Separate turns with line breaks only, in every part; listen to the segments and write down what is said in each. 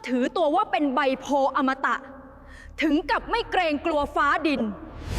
ถือตัวว่าเป็นใบโพอมตะ ถึงกับไม่เกรงกลัวฟ้าดิน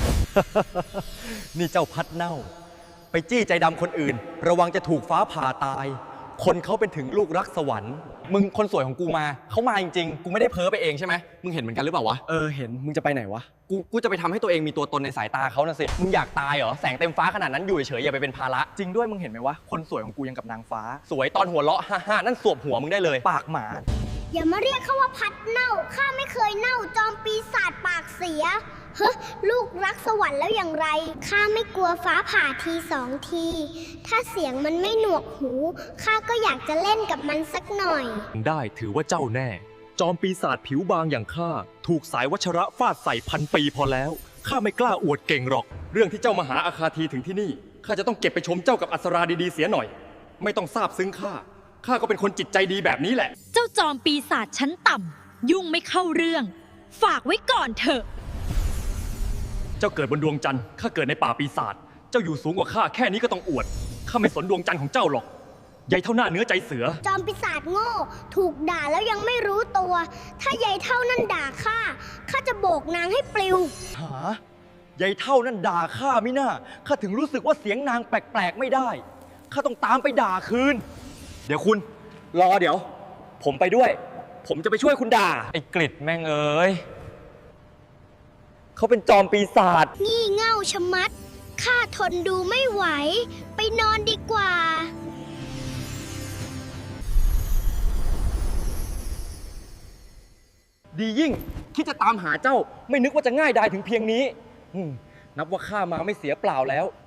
นี่เจ้าพัดเน่า ไปจี้ใจดำคนอื่น ระวังจะถูกฟ้าผ่าตาย คนเขาเป็นถึงลูกรักสวรรค์มึงคนสวยของกูมาเขามาจริงๆกูไม่ได้เพ้อไปเองใช่ไหมมึงเห็นเหมือนกันหรือเปล่าวะเห็นมึงจะไปไหนวะกูจะไปทำให้ตัวเองมีตัวตนในสายตาเขาน่ะสิมึงอยากตายเหรอแสงเต็มฟ้าขนาดนั้นอยู่เฉยๆอย่าไปเป็นภาระจริงด้วยมึงเห็นไหมวะคนสวยของกูยังกับนางฟ้าสวยตอนหัวเราะฮ่าๆนั่นสวบหัวมึงได้เลยปากหมา
อย่ามาเรียกเขาว่าพัดเน่า ข้าไม่เคยเน่าจอมปีศาจปากเสีย เฮ้ลูกรักสวรรค์แล้วอย่างไร ข้าไม่กลัวฟ้าผ่าทีสองที ถ้าเสียงมันไม่หนวกหู ข้าก็อยากจะเล่นกับมันสักหน่อย
ได้ถือว่าเจ้าแน่ จอมปีศาจผิวบางอย่างข้าถูกสายวัชระฟาดใส่1,000 ปีพอแล้วข้าไม่กล้าอวดเก่งหรอก
เรื่องที่เจ้ามาหาอาคาทีถึงที่นี่ข้าจะต้องเก็บไปชมเจ้ากับอัศราดีๆเสียหน่อย ไม่ต้องซาบซึ้งข้าก็เป็นคนจิตใจดีแบบนี้แหละ
เจ้าจอมปีศาจชั้นต่ำยุ่งไม่เข้าเรื่อง ฝากไว้ก่อนเถอะ
เจ้าเกิดบนดวงจันทร์ข้าเกิดในป่าปีศาจเจ้าอยู่สูงกว่าข้าแค่นี้ก็ต้องอวดข้าไม่สนดวงจันทร์ของเจ้าหรอกใหญ่เท่าหน้าเนื้อใจเสือ
จอมปีศาจโง่ ถูกด่าแล้วยังไม่รู้ตัว ถ้ายายเท่านั่นด่าข้า ข้าจะโบกนางให้ปลิว
หายายเท่านั่นด่าข้าไม่น่าข้าถึงรู้สึกว่าเสียงนางแปลกๆไม่ได้ข้าต้องตามไปด่าคืนเดี๋ยวคุณรอเดี๋ยว ผมไปด้วย ผมจะไปช่วยคุณด่าไอ้กฤษแม่งเอ้ยเขาเป็นจอมปีศาจ
งี่เง่าชะมัด ข้าทนดูไม่ไหว ไปนอนดีกว่า
ดียิ่งคิดจะตามหาเจ้าไม่นึกว่าจะง่ายดายถึงเพียงนี้นับว่าข้ามาไม่เสียเปล่าแล้ว